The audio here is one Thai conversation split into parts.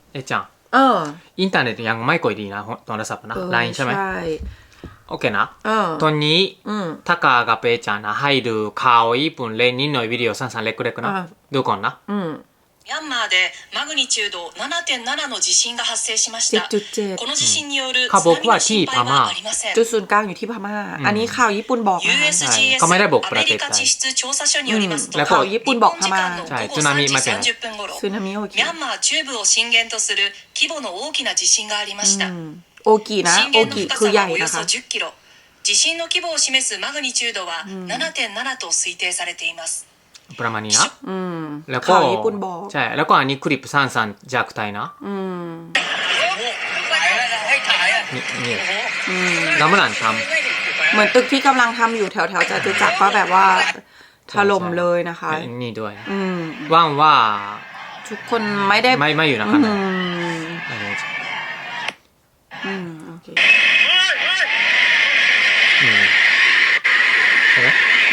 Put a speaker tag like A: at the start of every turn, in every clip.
A: ちゃんインターネットยังไม่ค่อยดีนะโทรศัพท์นะ LINE ใช่ไหม
B: ใช่
A: โอเคนะตอนนี้タカกับเปちゃんนะให้ดูข่าวญี่ปุ่นเล่นนิดหน่อยวิดีโอสั้นๆเล็กๆนะดูก่อนนะ
C: ミャンマーでマグニチュード 7.7 の地震が発生しました。この地震による津波の心配はありません。
B: จุดศูนย์กลางอยู่ที่พม่าอันนี้ข่าวญี่ปุ่นบอกนะ
C: USGS アメリカ地質調査所によりますと、
B: ข่าวญี่ปุ่นบอกพม่า
C: 日本時間の午後3時30分頃、
B: สึนามิโอเค
C: ミャンマー中部を震源とする規模の大きな地震がありました。
B: โอกินะ
C: 震
B: โอ
C: 源の
B: กิ
C: 深さ
B: คือใหญ่
C: はおよそ
B: นะคะ
C: 10キロ。地震の規模を示すマグニチュードは 7.7 と推定されています。
A: ประมาณนี้นะแล้วก็ใช่แล้วก็อันนี้คลิปสั้นๆจากไทยนะนี่กำลังท
B: ำเหมือนตึกที่กำลังทำอยู่แถวๆจตุจักรก็แบบว่าถล่มเลยนะคะ
A: นี่ด้วยว่างว่า
B: ทุกคนไม่ได้
A: ไม่อยู่นะครับ
B: โอเค
A: ใช่ไหม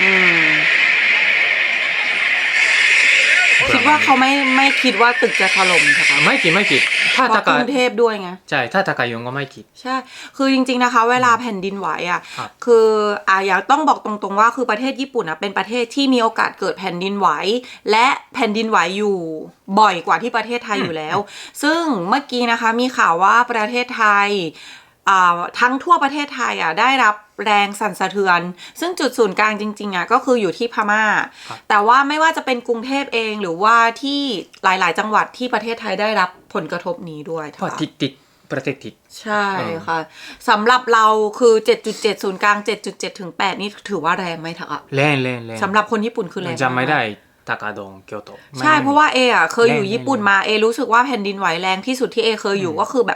B: คิดว่าเขาไม่คิดว่าตึกจะถล่มค่ะ
A: ไม่คิดถ้าตะ
B: กรุงเทพด้วยไง
A: ใช่ถ้าตะกายงก็ไม่คิด
B: ใช่คือจริงๆนะคะเวลาแผ่นดินไหวอ่ะคืออยากต้องบอกตรงๆว่าคือประเทศญี่ปุ่นเป็นประเทศที่มีโอกาสเกิดแผ่นดินไหวและแผ่นดินไหวอยู่บ่อยกว่าที่ประเทศไทยอยู่แล้วซึ่งเมื่อกี้นะคะมีข่าวว่าประเทศไทยทั้งทั่วประเทศไทยได้รับแรงสั่นสะเทือนซึ่งจุดศูนย์กลางจริงๆก็คืออยู่ที่พม่าแต่ว่าไม่ว่าจะเป็นกรุงเทพเองหรือว่าที่หลายๆจังหวัดที่ประเทศไทยได้รับผลกระทบนี้ด้วย
A: เพราะติดประเทศติด
B: ใช่ค่ะสำหรับเราคือ 7.7 ศูนย์กลาง 7.7 ถึง 8นี่ถือว่าแรงไหมคะ
A: แรง
B: สำหรับคนญี่ปุ่นคือแรง
A: จำไม่ได้ทากาดงเกียวโต
B: ใช่เพราะว่าเคยอยู่ญี่ปุ่นมารู้สึกว่าแผ่นดินไหวแรงที่สุดที่เคยอยู่ก็คือแบบ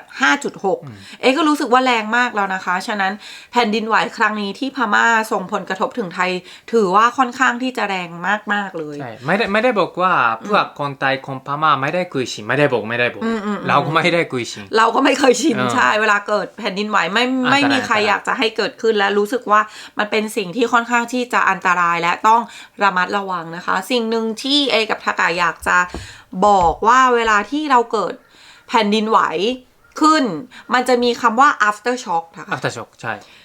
B: 5.6 ก็รู้สึกว่าแรงมากแล้วนะคะฉะนั้นแผ่นดินไหวครั้งนี้ที่พม่าส่งผลกระทบถึงไทยถือว่าค่อนข้างที่จะแรงมากๆเลย
A: ใช่ไม่ได้บอกว่าพวกคนไทยคนพม่าไม่ได้คุยชินไม่ได้บอกเราก็ไม่ได้คุยชิน
B: เราก็ไม่เคยชินใช่เวลาเกิดแผ่นดินไหวไม่มีใครอยากจะให้เกิดขึ้นและรู้สึกว่ามันเป็นสิ่งที่ค่อนข้างที่จะอันตรายและต้องระมัดระวังนะคะสิ่งหนึ่งที่กับทากาอยากจะบอกว่าเวลาที่เราเกิดแผ่นดินไหวขึ้นมันจะมีคำว่า after shock นะคะ
A: after shock ใช่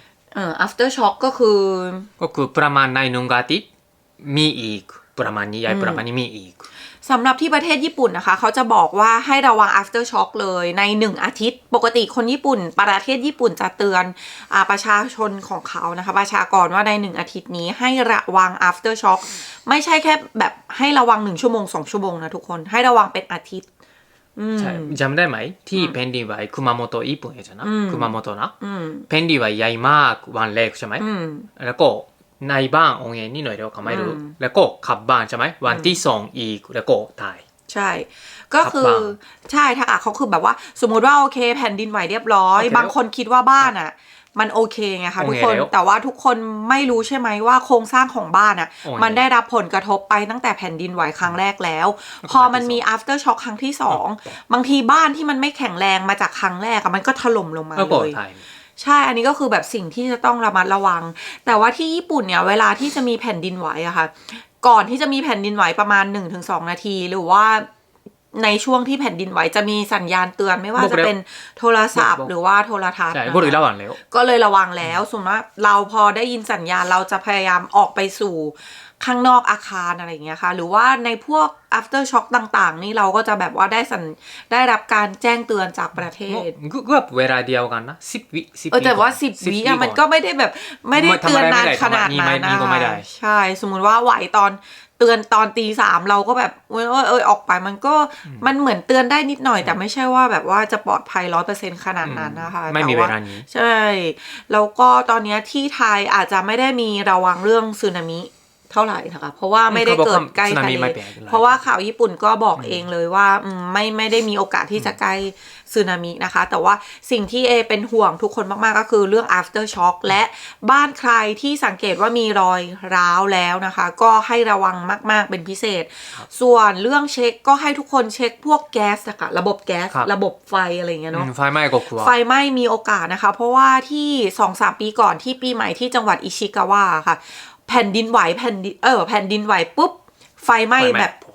B: after shock ก็คือ
A: ประมาณในหนึ่งอาทิตย์มีอีกประมาณนี้ประมาณนี้มีอีก
B: สำหรับที่ประเทศญี่ปุ่นนะคะเขาจะบอกว่าให้ระวัง after shock เลยใน1อาทิตย์ปกติคนญี่ปุ่นประเทศญี่ปุ่นจะเตือนประชาชนของเขานะคะประชากรว่าใน1อาทิตย์นี้ให้ระวัง after shock ไม่ใช่แค่แบบให้ระวัง1ชั่วโมง2ชั่วโมงนะทุกคนให้ระวังเป็นอาทิตย์
A: ใช่จำได้ไหมที่แผ่นดินไหวคุมาโมโตะญี่ปุ่นใช่ไหมคุมาโมโตะนะแผ่นดินไหวใหญ่มากวันแรกใช่ไหมแล้วก็ในบ้านองค์เองนี่หน่อยเดียวเขาไม่รู้แล้วก็ขับบ้านใช่ไหมวันที่2อีกแล้วก็ตาย
B: ใช่ก็คือใช่ถ้าเขาคือแบบว่าสมมติว่าโอเคแผ่นดินไหวเรียบร้อยบางคนคิดว่าบ้านมันโอเคไงคะทุกคนแต่ว่าทุกคนไม่รู้ใช่ไหมว่าโครงสร้างของบ้านมันได้รับผลกระทบไปตั้งแต่แผ่นดินไหวครั้งแรกแล้วพอมันมี after shock ครั้งที่2บางทีบ้านที่มันไม่แข็งแรงมาจากครั้งแรกมันก็ถล่มลงมาเลยใช่อันนี้ก็คือแบบสิ่งที่จะต้องระมัดระวังแต่ว่าที่ญี่ปุ่นเนี่ยเวลาที่จะมีแผ่นดินไหวค่ะก่อนที่จะมีแผ่นดินไหวประมาณ 1-2 นาทีหรือว่าในช่วงที่แผ่นดินไหวจะมีสัญญาณเตือนไม่ว่าจะเป็นโทรศัพท์หรือว่าโทรทัศน์
A: ก็เลยระวังแล้ว
B: ก็เลยระวังแล้วสมมติว่าเราพอได้ยินสัญญาณเราจะพยายามออกไปสู่ข้างนอกอาคารอะไรอย่างเงี้ยค่ะหรือว่าในพวก after shock ต่างๆนี่เราก็จะแบบว่าได้รับการแจ้งเตือนจากประเทศ
A: ก็เวลาเดียวกันนะ10 วิ
B: แต่ว่า10 วิมันก็ไม่ได้แบบไม่ได้เตือนนานขนาดนั้นนะใช่สมมุติว่าไหวตอนเตือนตอนตี3เราก็แบบออกไปมันเหมือนเตือนได้นิดหน่อยแต่ไม่ใช่ว่าแบบว่าจะปลอดภัย 100% ขนาดนั้นนะคะ
A: ไม่มีเวลานี้
B: ใช่แล้วก็ตอนนี้ที่ไทยอาจจะไม่ได้มีระวังเรื่องสึนามิเท่าไหร่นะคะเพราะว่าไม่ได้เกิดใกล้ทะเลเพราะว่าข่าวญี่ปุ่นก็บอกเองเลยว่าไม่ได้มีโอกาสที่จะใกล้สึนามินะคะแต่ว่าสิ่งที่เป็นห่วงทุกคนมากๆก็คือเรื่อง after shock และบ้านใครที่สังเกตว่ามีรอยร้าวแล้วนะคะก็ให้ระวังมากๆเป็นพิเศษส่วนเรื่องเช็คก็ให้ทุกคนเช็คพวกแก๊สนะคะระบบแก๊สระบบไฟอะไรเงี้ยเนาะ
A: ไฟไหม้ก็กลัว
B: ไฟไหม้มีโอกาสนะคะเพราะว่าที่ 2-3 ปีก่อนที่ปีใหม่ที่จังหวัดอิชิกาวะค่ะแผ่นดินไหวแผ่นดินไหวปุ๊บไฟไหม้แบบ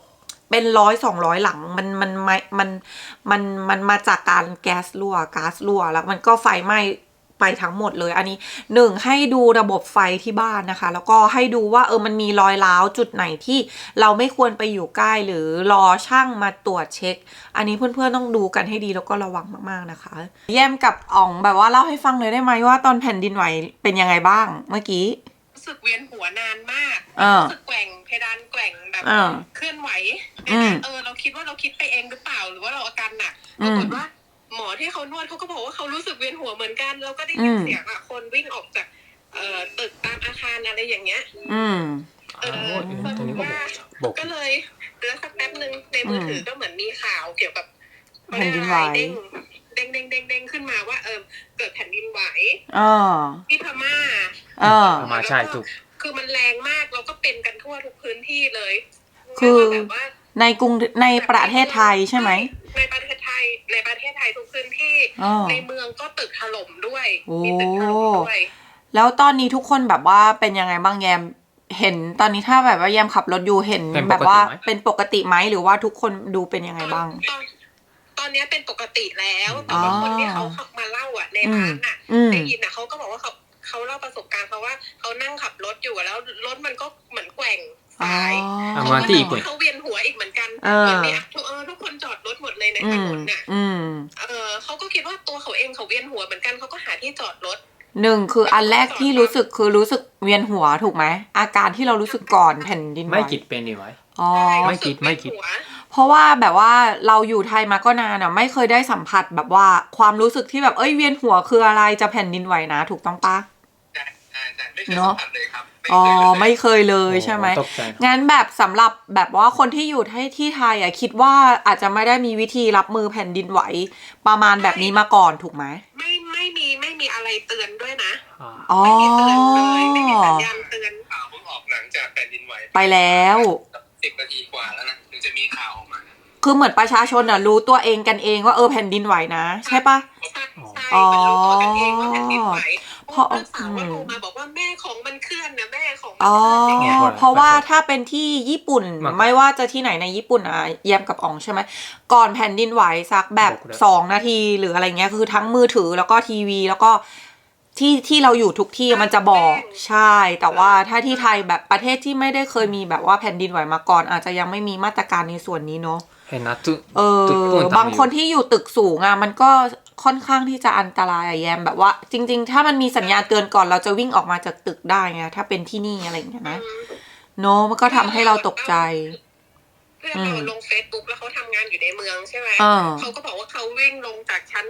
B: เป็น100-200 หลังมันมาจากการก๊าซรั่วแล้วมันก็ไฟไหม้ไปทั้งหมดเลยอันนี้1ให้ดูระบบไฟที่บ้านนะคะแล้วก็ให้ดูว่ามันมีรอยร้าวจุดไหนที่เราไม่ควรไปอยู่ใกล้หรือรอช่างมาตรวจเช็คอันนี้เพื่อนๆต้องดูกันให้ดีแล้วก็ระวังมากๆนะคะแย้มกับอ๋องแบบว่าเล่าให้ฟังเลยได้ไหมว่าตอนแผ่นดินไหวเป็นยังไงบ้างเมื่อกี้
D: รู้สึกเวียนหัวนานมากรู้สึกแกว่งเพดานแกว่งแบบเคลื่อนไหวเราคิดว่าเราคิดไปเองหรือเปล่าหรือว่าเราอาการหนักปรากฏว่าหมอที่เขานวดเขาก็บอกว่าเขารู้สึกเวียนหัวเหมือนกันแล้วก็ได้ยินเสียงคนวิ่งออกจากตึกตามอาคารอะไรอย่างเงี้ยก็เลยแล้วสักแป๊บนึงในมือถือก็เหมือนมีข่าวเกี่ยวกับ
B: แผ่นดินไหว
D: เด้งขึ้นมาว่าเกิดแผ่นดินไหวที่พม่า
A: ใช่ถูก
D: คือมันแรงมากเราก็เป็นกันทั่วทุกพื้นที่เลย
B: คือในประเทศไทยใช่ไหม
D: ในประเทศไทยทุกพื้นที่ในเมืองก็ตึกถล่มด้วยมีตึกถล่มด้วย
B: แล้วตอนนี้ทุกคนแบบว่าเป็นยังไงบ้างแยมเห็นตอนนี้ถ้าแบบว่าแยมขับรถอยู่เห็นแบบว่าเป็นปกติไหมหรือว่าทุกคนดูเป็นยังไงบ้าง
D: ตอนนี้เป็นปกติแล้วแต่ว่าคนที่เขามาเล่าในร้านได้ยินเขาก็บอกว่าเขาเล่าประสบการณ์เขาว่าเขานั่งขับรถอยู่แล้วรถมันก็เหมือนแกว่งสายเขาเวียนหัวอีกเหมือนกันวันนี้ทุกคนจอดรถหมดเลยในถนนน่ะเขาก็คิดว่าตัวเขาเองเขาเวียนหัวเหมือนกันเขาก็หาที่จอดรถ
B: 1คืออันแรกที่รู้สึกเวียนหัวถูกไหมอาการที่เรารู้สึกก่อนแผ่นดินไหว
A: ไม่คิดเป็นดีไว้ไม่คิด
B: เพราะว่าแบบว่าเราอยู่ไทยมาก็นานไม่เคยได้สัมผัสแบบว่าความรู้สึกที่แบบเวียนหัวคืออะไรจะแผ่นดินไหวนะถูกต้องปะ
D: เนาะ
B: ไม่เคยเลยใช่ไหมงั้นแบบสำหรับแบบว่าคนที่อยู่ที่ไทยคิดว่าอาจจะไม่ได้มีวิธีรับมือแผ่นดินไหวประมาณแบบนี้มาก่อนถูกไหม
D: ไม่มีอะไรเตือนด้วยนะไม่มีเตือนเลยไม่มีสัญญาณเตือนข่าวเพิ่งออกหลังจากแผ่นดินไหว
B: ไปแล้ว
D: 10 นาทีกว่าแล้วนะถึงจะมีข่าวออกมา
B: คือเหมือนประชาชนรู้ตัวเองกันเองว่าแผ่นดินไหวนะใช่ปะ
D: ใช่รู้ตัวกันเองว่าแผ่นดินไหวเพราะสาวโทรมาบอกว่าแม่ของมันเคลื่อนนะแม่ของมันเคลื่อนอย่างเงี้ย
B: เพราะว่าถ้าเป็นที่ญี่ปุ่นไม่ว่าจะที่ไหนในญี่ปุ่นแยมกับอ๋องใช่ไหมก่อนแผ่นดินไหวสักแบบ2 นาทีหรืออะไรเงี้ยคือทั้งมือถือแล้วก็ทีวีแล้วก็ที่เราอยู่ทุกที่มันจะบอกใช่แต่ว่าถ้าที่ไทยแบบประเทศที่ไม่ได้เคยมีแบบว่าแผ่นดินไหวมาก่อนอาจจะยังไม่มีมาตรการในส่วนนี้เนาะบางคนที่อยู่ตึกสูงมันก็ค่อนข้างที่จะอันตรายแยมแบบว่าจริงๆถ้ามันมีสัญญาณเตือนก่อนเราจะวิ่งออกมาจากตึกได้ไงถ้าเป็นที่นี่อะไรอย่างเงี้ยนะเนาะมันก็ทำให้เราตกใจ
D: เพื่อนเราลง Facebook แล้วเขาทำงานอยู่ในเมืองใช่ไหมเขาก็บอกว่าเขาวิ่งลงจากชั้น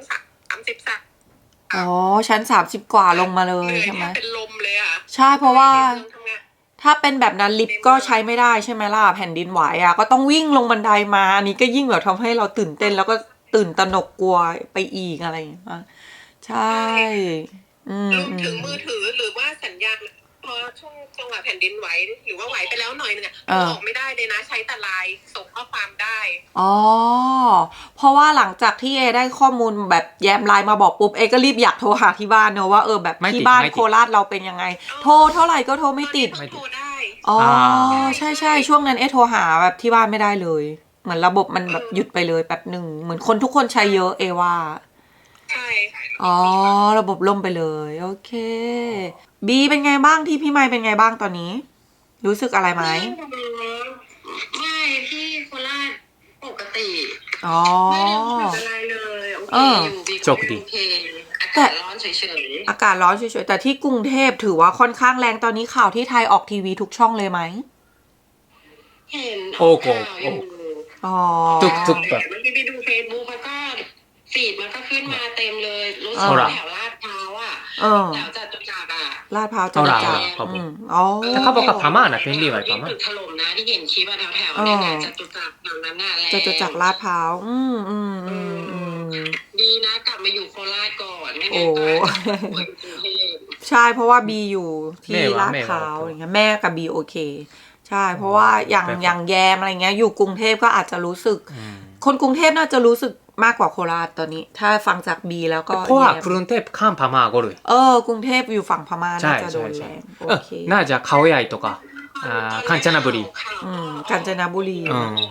D: 30
B: ชั้น30กว่าลงมาเลยใช่ไหม
D: เป็นลมเลย
B: ใช่เพราะว่าถ้าเป็นแบบนั้นลิฟต์ก็ใช้ไม่ได้ใช่ไหมล่ะแผ่นดินไหวก็ต้องวิ่งลงบันไดมาอันนี้ก็ยิ่งแบบทำให้เราตื่นเต้นแล้วก็ตื่นตระหนกกลัวไปอีกอะไรอย่างเงี้ยใช่
D: รวมถึงมือถือหรือว่าสัญญาณพอช่วงจังหวะแผ่นดินไหวหรือว่าไหวไปแล้วหน่อยนึงออกไม่ได้เลยนะใช้แต่ไลน์ส่งข้อความได้
B: เพราะว่าหลังจากที่ได้ข้อมูลแบบแยมไลน์มาบอกปุ๊บก็รีบอยากโทรหาที่บ้านเนอะว่าแบบที่บ้านโคราชเราเป็นยังไงโทรเท่าไหร่ก็โทรไม่ติด
D: โทรได้
B: ใช่ช่วงนั้นโทรหาแบบที่บ้านไม่ได้เลยเหมือนระบบมันแบบหยุดไปเลยแป๊บหนึ่งเหมือนคนทุกคนใช้เยอะว่า
D: ใช่
B: ระบบล่มไปเลยโอเคบีเป็นไงบ้างที่พี่ไมค์เป็นไงบ้างตอนนี้รู้สึกอะไรไหม
D: ไม่ที่โคราชปกติไม่ได้รู้สึกอะไรเลยโอเคอยู่บีโอเคอากาศร้อนเฉย
B: ๆอากาศร้อนเฉยๆแต่ที่กรุงเทพถือว่าค่อนข้างแรงตอนนี้ข่าวที่ไทยออกทีวีทุกช่องเลยไหม
D: เห็น
A: โอ้โห
B: ทุ
A: กแบบ
D: เมื่อกี้ไปดูเฟซบุ๊กแล้วก็ฟีดมันก็ขึ้นมาเต็มเลยรู้สึกแถวลาดพร้าวแถวจตุจักร
B: ลาดพร้าวจตุจักร
A: แต่เขาบอกกับพม่านะเป็นดีไว้พม่า
D: ตึกถล่มนะที่เห็นคลิปแถวเนี่ยจตุจักรอย่างนั้นน่ะ
B: จตุจักรลาดพร้าว
D: ดีนะกลับมาอยู่โคราชก่อนไม่งั้นก็
B: ใช่เพราะว่าบีอยู่ที่ลาดพร้าวอย่างเงี้ยแม่กับบีโอเคใช่เพราะว่าอย่างแยมอะไรเงี้ยอยู่กรุงเทพก็อาจจะรู้สึกคนกรุงเทพน่าจะรู้สึกมากกว่าโคราชตอนนี้ถ้าฟังจากบีแล้วก็
A: เพราะว่ากรุงเทพข้ามพม่าก็เลย
B: กรุงเทพอยู่ฝั่งพม่าน่าจะโดนแรงโอเค
A: น่าจะเขาใหญ่とかกาญจนบุรี
B: กาญจนบุรี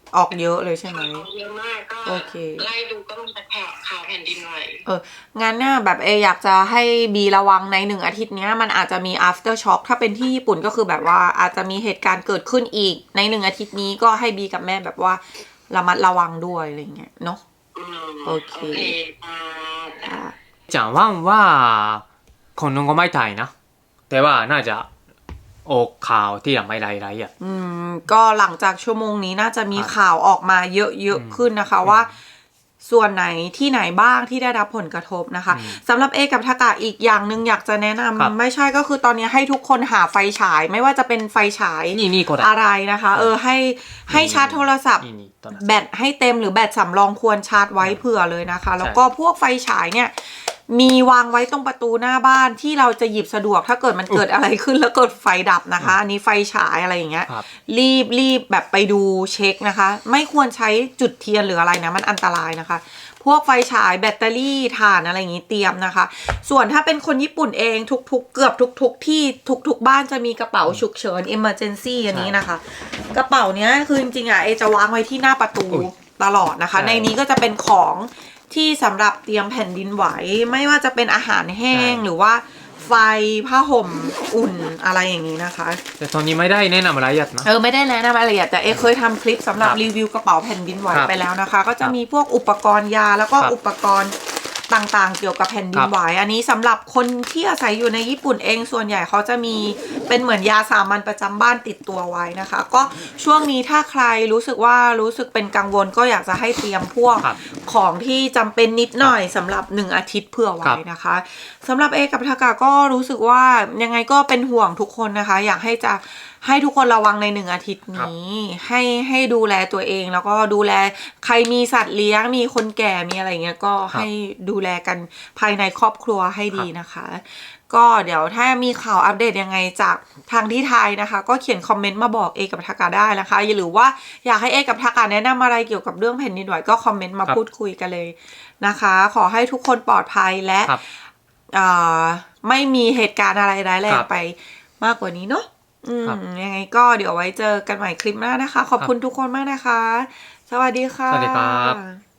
B: ออกเยอะเลยใช่ไหม
D: เยอะมากก็
B: โอเค
D: ไล่ดูก็มีแต่ข่าวแผ่นดินไหว
B: งั้นเนี่ยแบบอยากจะให้บีระวังใน1 อาทิตย์เนี้ยมันอาจจะมี after shock ถ้าเป็นที่ญี่ปุ่นก็คือแบบว่าอาจจะมีเหตุการณ์เกิดขึ้นอีกใน1 อาทิตย์นี้ก็ให้บีกับแม่แบบว่าระมัดระวังด้วยอะไรเงี้ยเนาะโอเคจ้ะ
A: じゃあワンはคนนึงก็ไม่ตายนะแต่ว่าน่าจะออกข่าวที่ไม่หลายๆอ่ะ
B: ก็หลังจากชั่วโมงนี้น่าจะมีข่าวออกมาเยอะๆขึ้นนะคะว่าส่วนไหนที่ไหนบ้างที่ได้รับผลกระทบนะคะสำหรับเอกับทากะอีกอย่างหนึ่งอยากจะแนะนำไม่ใช่ก็คือตอนนี้ให้ทุกคนหาไฟฉายไม่ว่าจะเป็นไฟฉาย
A: นี่ก็ได้
B: อะไรนะคะให้ชาร์จโทรศัพท์
A: นี่ตอนนั้น
B: แบตให้เต็มหรือแบตสำรองควรชาร์จไว้เผื่อเลยนะคะแล้วก็พวกไฟฉายเนี่ยมีวางไว้ตรงประตูหน้าบ้านที่เราจะหยิบสะดวกถ้าเกิดมันเกิดอะไรขึ้นแล้วเกิดไฟดับนะคะอันนี้ไฟฉายอะไรอย่างเงี้ย
A: ครับ
B: รีบแบบไปดูเช็คนะคะไม่ควรใช้จุดเทียนหรืออะไรนะมันอันตรายนะคะพวกไฟฉายแบตเตอรี่ถ่านอะไรอย่างงี้เตรียมนะคะส่วนถ้าเป็นคนญี่ปุ่นเองเกือบทุกที่ทุกบ้านจะมีกระเป๋าฉุกเฉิน emergency อันนี้นะคะกระเป๋าเนี้ยคือจริงๆเอจะวางไว้ที่หน้าประตูตลอดนะคะในนี้ก็จะเป็นของที่สำหรับเตรียมแผ่นดินไหวไม่ว่าจะเป็นอาหารแห้งหรือว่าไฟผ้าห่มอุ่นอะไรอย่างนี้นะคะ
A: แต่ตอนนี้ไม่ได้แนะนำอะไรยัดนะ
B: ไม่ได้แนะนำอะไรละเอียดแต่เคยทำคลิปสำหรับรีวิวกระเป๋าแผ่นดินไหวไปแล้วนะคะ ก็จะมีพวกอุปกรณ์ยาแล้วก็อุปกรณ์ต่างๆเกี่ยวกับแผ่นดินไหวอันนี้สำหรับคนที่อาศัยอยู่ในญี่ปุ่นเองส่วนใหญ่เขาจะมีเป็นเหมือนยาสามัญประจำบ้านติดตัวไว้นะคะ ก็ช่วงนี้ถ้าใครรู้สึกเป็นกังวลก็อยากจะให้เตรียมพวกของที่จำเป็นนิดหน่อยสำหรับ1 อาทิตย์เผื่อไว้นะคะสำหรับเอกับทากะก็รู้สึกว่ายังไงก็เป็นห่วงทุกคนนะคะอยากให้ทุกคนระวังใน1 อาทิตย์นี้ให้ดูแลตัวเองแล้วก็ดูแลใครมีสัตว์เลี้ยงมีคนแก่มีอะไรเงี้ยก็ให้ดูแลกันภายในครอบครัวให้ดีนะคะก็เดี๋ยวถ้ามีข่าวอัปเดตยังไงจากทางที่ไทยนะคะก็เขียนคอมเมนต์มาบอกเอกับทากะได้นะคะหรือว่าอยากให้เอกับทากะแนะนำอะไรเกี่ยวกับเรื่องแผ่นดินไหวก็คอมเมนต์มาพูดคุยกันเลยนะคะขอให้ทุกคนปลอดภัยและไม่มีเหตุการณ์อะไรร้ายแรงไปมากกว่านี้เนาะยังไงก็เดี๋ยวไว้เจอกันใหม่คลิปหน้านะคะขอบคุณทุกคนมากนะคะสวัสดีค่ะ
A: สวัสดีครับ